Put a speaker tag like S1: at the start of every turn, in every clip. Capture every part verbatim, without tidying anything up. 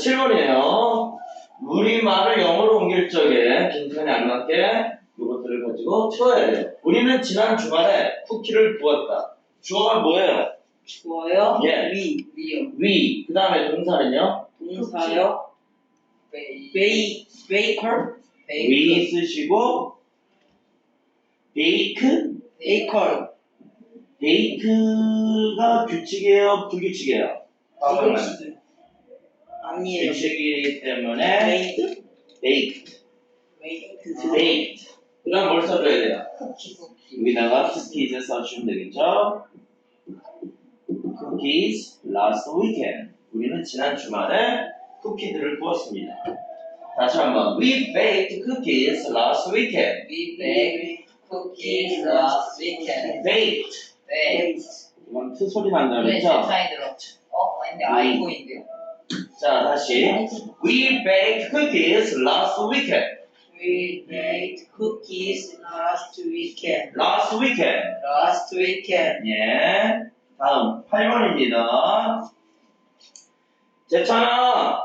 S1: 칠 번이에요. 우리말을 영어로 옮길 적에 빈칸에 안 맞게 이것들을 가지고 채워야 돼요. 우리는 지난 주말에 쿠키를 구웠다. 주어가 뭐예요?
S2: 주어요?
S1: 예.
S2: 위. 위요.
S1: 위. 그 다음에 동사는요?
S2: 동사요? 베이. 베이. 베이커?
S1: 위 쓰시고 베이크?
S2: 베이커.
S1: 베이크가 규칙이에요? 불규칙이에요?
S2: 불규칙. 아니에요.
S1: 규칙이기 때문에
S2: 메이드?
S1: 베이크.
S2: 메이드.
S1: 베이크. 그 다음 뭘 써줘야 돼요?
S2: 쿠키. 쿠키.
S1: 여기다가 cookies 써주시면 되겠죠? cookies last weekend. 우리는 지난 주말에 쿠키들을 구웠습니다. 다시 한번. We baked cookies last weekend.
S2: We baked cookies last weekend.
S1: baked.
S2: baked.
S1: 이건 트 소리 난다
S2: 네,
S1: 그랬죠?
S2: 세상에 들어. 어, 근데 아이고인데요.
S1: 자, 다시. We baked cookies last weekend.
S2: We baked cookies last weekend.
S1: last weekend.
S2: Last weekend.
S1: 예. 다음 팔 번입니다. 제찬아.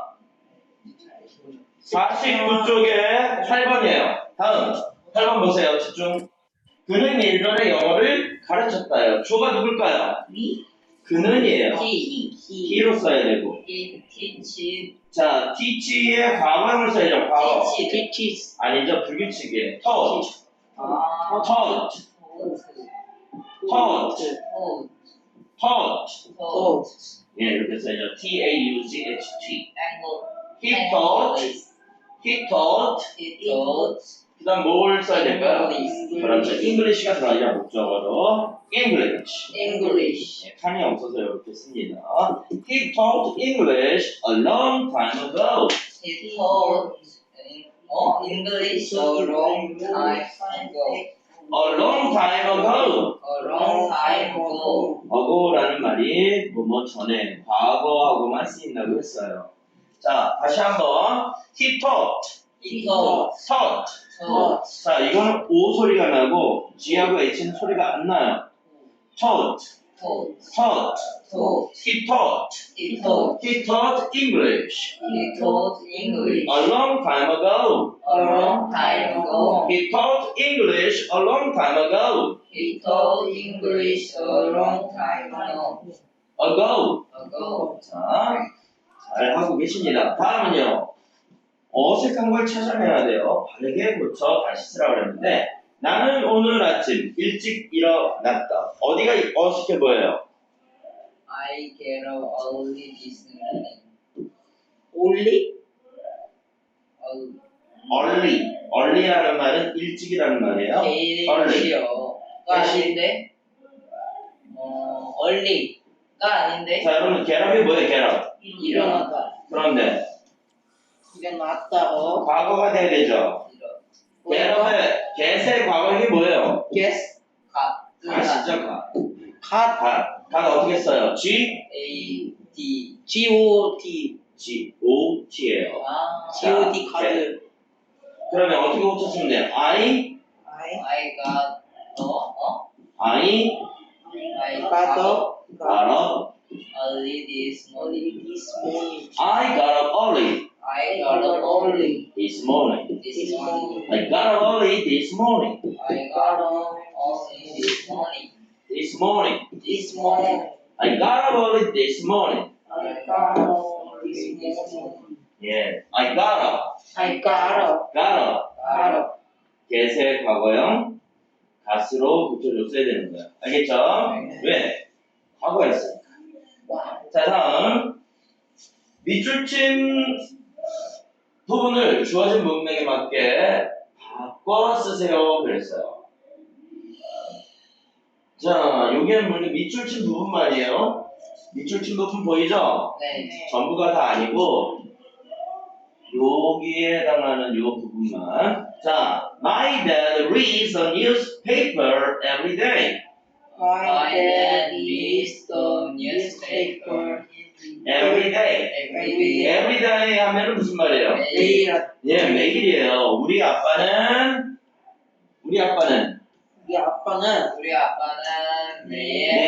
S1: 사십구 쪽에 팔 번이에요. 다음 팔 번 보세요. 집중. 그는 예전에 영어를 가르쳤다요. 주어가 누굴까요?
S2: We.
S1: 그는이에요.
S2: He.
S1: he로 써야 되고.
S2: He teach.
S1: 자, teach의 과거형을 써야죠. 과거.
S2: Teach. Teaches.
S1: 아니죠. 불규칙이에요. taught.
S2: 아.
S1: taught. taught.
S2: Taught.
S1: taught.
S2: Taught.
S1: 예, 이렇게 써야죠. T A U G H T.
S2: Angle.
S1: he taught. he taught.
S2: He taught.
S1: 그 다음 뭘 써야 될까요?
S2: English.
S1: 그렇죠. English가 들어가죠. 목적어로. English.
S2: English.
S1: 네, 칸이 없어서 이렇게 씁니다. He taught English a long time ago.
S2: He taught 어? English a long time ago.
S1: A long time ago.
S2: A long time ago.
S1: ago라는 말이 뭐뭐 전에 과거하고만 쓰인다고 했어요. 자, 다시 한번. He taught.
S2: He taught.
S1: taught.
S2: taught.
S1: 자, 이거는 O 소리가 나고 G하고 H는 소리가 안 나요. taught.
S2: taught.
S1: taught.
S2: taught.
S1: He taught.
S2: He taught.
S1: He taught English
S2: He taught English
S1: a long time ago.
S2: a long time ago.
S1: He taught English a long time ago.
S2: He taught English a long time ago.
S1: ago.
S2: ago.
S1: 자, 잘 하고 계십니다. 다음은요. 어색한 걸 찾아내야 돼요. 바르게 고쳐 다시 쓰라고 그랬는데 나는 오늘 아침 일찍 일어났다. 어디가 어색해 보여요?
S2: I get up early this morning. Only?
S1: early. early라는 말은 일찍이라는 말이에요.
S2: early요. 가 아닌데? 어, early가 아닌데?
S1: 자, 여러분 get up이 뭐예요? get up.
S2: 일어나다.
S1: 그런데
S2: 일어났다. 어?
S1: 과거가 돼야 되죠. get up의 get의 과거형이 뭐예요?
S2: Guess. 가.
S1: 가시죠, 가.
S2: 가.
S1: 가. 가가 어떻게 써요? G?
S2: A D. G O D.
S1: G O T예요.
S2: 아.
S1: G O D 카드. 그러면 어떻게 고쳤으면 돼요? I?
S2: I. I got. 어? 어?
S1: I
S2: I got up.
S1: got up.
S2: Early this morning. This morning.
S1: I got up early
S2: I got up early
S1: this morning.
S2: this morning.
S1: I got up early this morning.
S2: I got up early this morning.
S1: This morning.
S2: This morning.
S1: I got up early this morning.
S2: I got up early this morning.
S1: 예, I got up.
S2: I got up.
S1: got up.
S2: Got up.
S1: get의 과거형 gat으로 고쳐줬어야 되는 거예요. 알겠죠?
S2: 네.
S1: 왜? 과거였으니까. 자, 다음 밑줄친 부분을 주어진 문맥에 맞게 바꿔 쓰세요 그랬어요. 자, 여기는 뭐 밑줄친 부분 말이에요. 밑줄친 부분 보이죠?
S2: 네.
S1: 전부가 다 아니고 여기에 해당하는 요 부분만. 자, my dad reads the newspaper every day.
S2: My dad reads the newspaper
S1: every day.
S2: every day.
S1: every day 하면은 무슨 말이에요?
S2: 매일.
S1: 예, 매일이에요. 우리 아빠는 우리 아빠는
S2: 우리 아빠는 우리 아빠는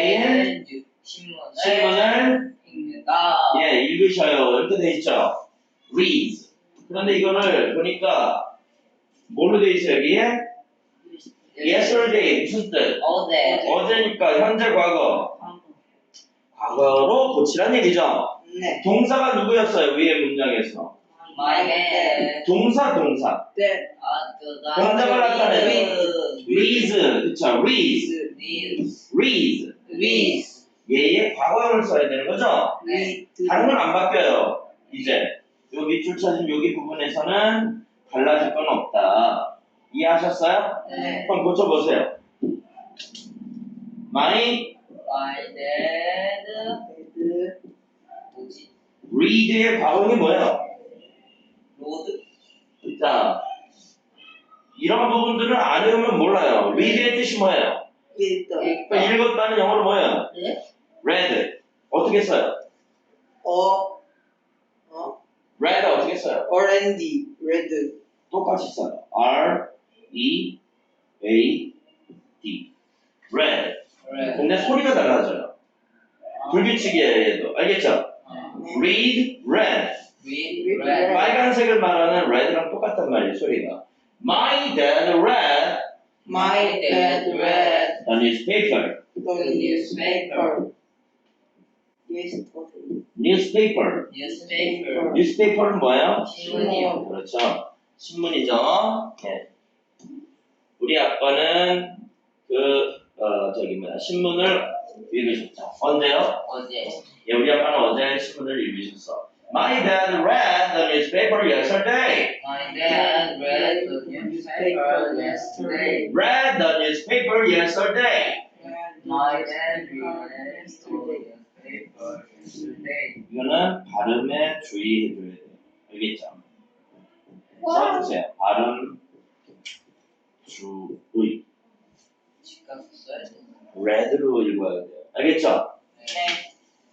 S2: 매일 신문을
S1: 신문을
S2: 읽는다.
S1: 예, 읽으셔요. 이렇게 돼 있죠. reads. 그런데 이거를 보니까 뭘로 돼 있어요, 여기에? yesterday 무슨 뜻?
S2: 어제.
S1: 어제니까 현재 과거. 과거로 고치란 얘기죠.
S3: 네.
S1: 동사가 누구였어요, 위에 문장에서?
S2: My dad.
S1: 동사, 동사.
S3: 네.
S2: 아, 그
S1: 동작을 나타내는
S2: read.
S1: reads, 그쵸? reads,
S2: read.
S1: reads.
S2: read.
S1: 얘의 과거형을 써야 되는 거죠?
S2: 네.
S1: 다른 건 안 바뀌어요. 이제 요 밑줄 쳐진 여기 부분에서는 달라질 건 없다. 이해하셨어요?
S2: 네.
S1: 그럼 고쳐보세요. My
S2: My dad.
S3: 그
S2: 뭐지?
S1: read의 과거형이 뭐예요?
S2: 로드.
S1: 자, 이런 부분들을 안 외우면 몰라요. read의 뜻이 뭐예요?
S3: 일단
S1: 그러니까 읽었다는 영어로 뭐예요?
S2: 네?
S1: read. 어떻게 써요?
S3: 어 어
S1: read 어떻게 써요?
S3: 오렌지 레드
S1: 똑같이 써요. R, E, A, D. read.
S2: 그래.
S1: 근데 소리가 달라져요. 불규칙이에요, 얘도. 알겠죠? read, read.
S2: read. read.
S1: 빨간색을 말하는 red랑 똑같단 말이에요, 소리가. My dad read
S3: My dad read
S1: the newspaper.
S3: the newspaper yesterday.
S1: newspaper.
S2: newspaper.
S1: newspaper는 뭐예요?
S2: 신문이요.
S1: 그렇죠. 신문이죠. 네. 우리 아빠는 그, 어, 저기 뭐야, 신문을 읽으셨죠. 언제요?
S2: 어제.
S1: 예, 우리 아빠는 어제 신문을 읽으셨어. My dad read the newspaper yesterday.
S2: My dad read the newspaper yesterday.
S1: Read the newspaper yesterday.
S2: My dad read the newspaper yesterday.
S1: 이거는 발음에 주의해줘야 돼요. 알겠죠? 써주세요. 발음, 주의.
S2: 집가서 써야 돼.
S1: red로 읽어야 돼요. 알겠죠?
S2: 네.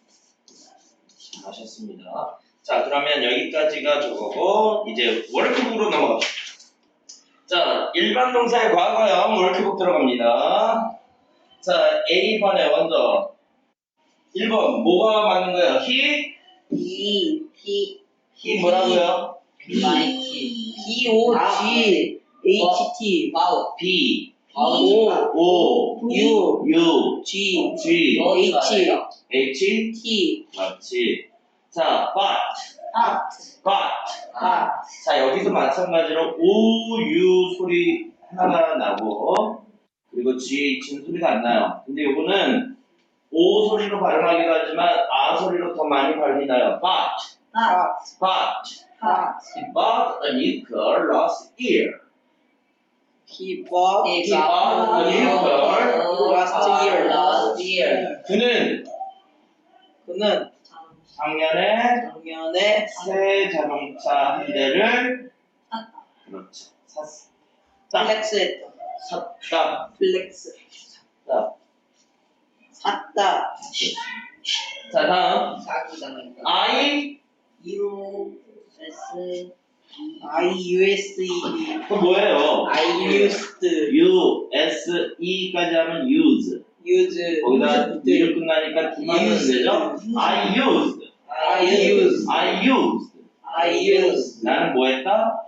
S1: 잘하셨습니다. 자, 그러면 여기까지가 저거고 이제 워크북으로 넘어갑시다. 자, 일반 동사의 과거형 워크북 들어갑니다. 자, A번에 먼저 일 번 뭐가 맞는 거예요? he?
S3: E P
S1: he 뭐라고요?
S2: 마이키.
S3: P O G H T
S2: 와우.
S1: B,
S3: O
S1: O,
S3: U
S1: U,
S3: G
S1: G,
S3: H
S1: H,
S3: T
S1: 그렇지. 자, but,
S3: 아
S1: but.
S3: 아
S1: 자, 여기도 마찬가지로 O, U 소리 하나가 나고 그리고 G, H는 소리가 안 나요. 근데 요거는 O 소리로 발음하기도 하지만 아 소리로 더 많이 발음이 나요. But,
S3: 아
S1: but,
S3: 아
S1: he bought a new car last year.
S3: He bought
S2: He
S1: He bought a new car
S3: last year.
S2: last year.
S1: 그는
S3: 그는
S1: 작년에
S3: 작년에
S1: 새 자동차 한 대를 그렇죠. 샀어.
S3: 플렉스했다.
S1: 샀다.
S3: 플렉스
S1: 샀다.
S3: 샀다.
S1: 자, 다음
S2: 사기 당했다.
S1: I
S2: U S
S3: I U S E D
S1: 그 뭐예요?
S3: I used
S1: U, S, E까지 하면 use.
S3: use
S1: 거기다 D로 끝나니까 D만 쓰면 되죠? I used.
S3: I used
S1: I used.
S3: I used
S1: 나는 뭐 했다?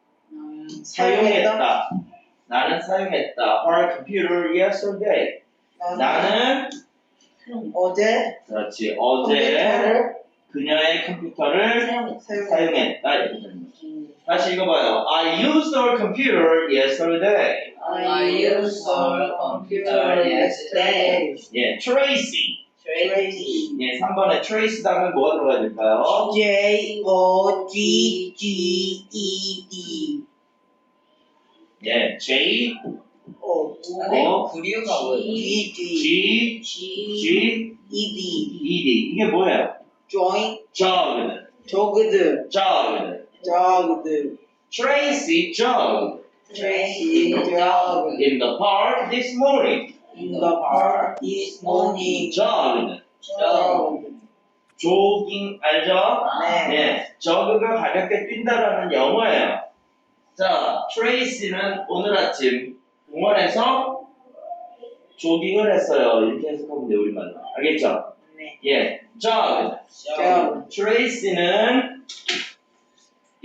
S1: 사용했다. 나는 사용했다. Her computer yesterday. 나는
S3: 어제
S1: 그렇지. 어제
S3: 컴퓨터를
S1: 그녀의 컴퓨터를
S3: 사용했다.
S1: 사용했다. 이렇게 되는 거죠. 다시 읽어봐요. I used her computer yesterday.
S2: I used our computer yesterday.
S1: 예, Tracy.
S3: Tracy
S1: 예, 삼 번에 Trace 다음에 뭐가 들어가야 될까요?
S3: J O G G E D
S1: 예, J,
S3: O
S2: 근데
S1: 어?
S2: 구류가 뭐예요?
S3: G G
S1: G,
S2: G
S1: G,
S3: E D
S1: E D. 이게 뭐예요?
S3: join
S1: Jogged.
S3: jogged
S1: Jogged.
S3: jogged
S1: Tracy jogged
S3: Tracy jogged
S1: in the park this morning.
S3: in the park this morning
S1: jogged.
S3: jogged
S1: 조깅 알죠?
S3: 네
S1: 네, 저그가 가볍게 뛴다라는 영어예요. 자, 트레이시는 오늘 아침 공원에서 조깅을 했어요. 이렇게 해석하면 돼요, 우리말로. 알겠죠?
S3: 네
S1: 예, jogged.
S3: jogged
S1: 트레이시는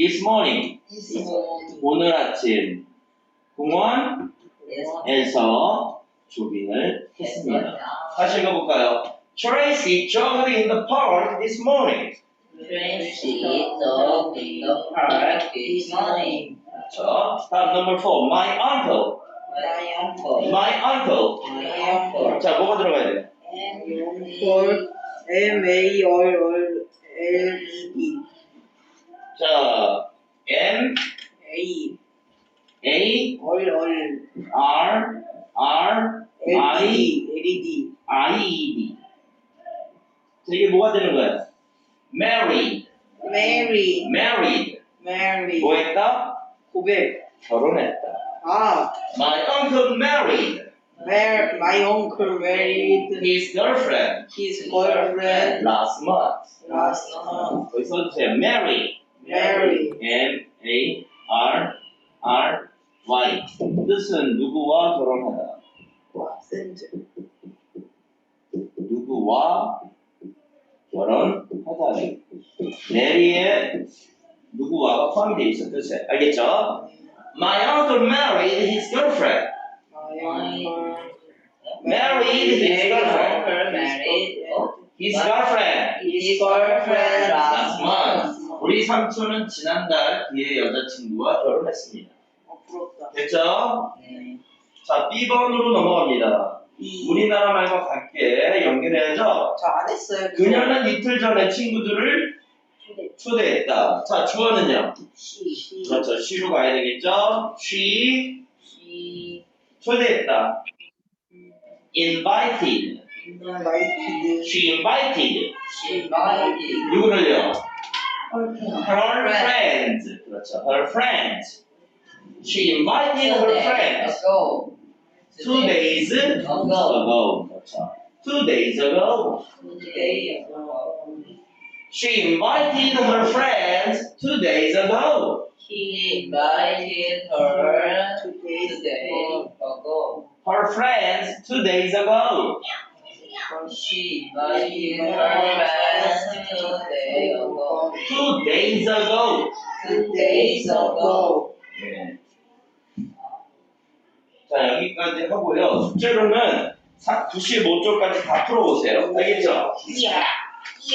S1: this morning. 오늘 아침 공원에서 조깅을 했습니다. 다시 읽어볼까요? Tracy jogged in the park this morning.
S2: Tracy jogged in the park this morning.
S1: 그렇죠. 다음 number four. My uncle.
S2: My uncle.
S1: My uncle.
S2: My uncle.
S1: 자, 뭐가 들어가야 돼요?
S3: 걸 M A R R L E D
S1: 자, M
S3: A
S1: A
S3: R R
S1: R R
S3: L
S1: I
S3: E D L E D
S1: I E D. 자, 이게 뭐가 되는 거야? Married.
S3: Mary
S1: Married.
S3: Mary
S1: 뭐 했다?
S3: 고백
S1: 결혼했다.
S3: 아
S1: My uncle married
S3: Mar my uncle married
S1: his girlfriend
S3: his girlfriend
S1: last month.
S3: last month.
S1: 거기 써주세요. Marry.
S3: Mary
S1: M A R R Y. 뜻은 누구와 결혼하다.
S3: 센트
S1: 누구와 결혼하다. 메리의 누구와가 포함되어 있어 뜻에. 알겠죠? My uncle married his girlfriend.
S3: my uncle
S1: Married his girlfriend.
S2: Uncle married
S1: His girlfriend.
S3: his girlfriend
S1: last month. 우리 삼촌은 지난달 그의 여자친구와 결혼했습니다.
S3: 어 부럽다
S1: 됐죠?
S2: 네.
S1: 자, B번으로 넘어갑니다.
S3: 이
S1: 우리나라 말과 같게 연결해야죠.
S3: 저 안 했어요
S1: 그녀는 이틀 전에 친구들을 초대했다. 자, 주어는요?
S3: 시
S1: 그렇죠. she로 가야 되겠죠? she
S2: She
S1: 초대했다. invited.
S3: 인바이티드
S1: she invited.
S2: she invited
S1: 누구를요?
S3: 헐
S1: her friends. 그렇죠. her friends. she invited her friends
S2: ago.
S1: two days ago. 그렇죠. two days ago.
S2: Today ago.
S1: she invited her friends two days ago.
S2: He invited her
S3: two days
S2: today ago.
S1: her friends two days ago.
S2: She invited her friends today ago.
S1: two days ago.
S2: Two days ago.
S1: 네. 자, 여기까지 하고요. 숙제로는 구십오 쪽까지 다 풀어보세요. 알겠죠?
S3: 야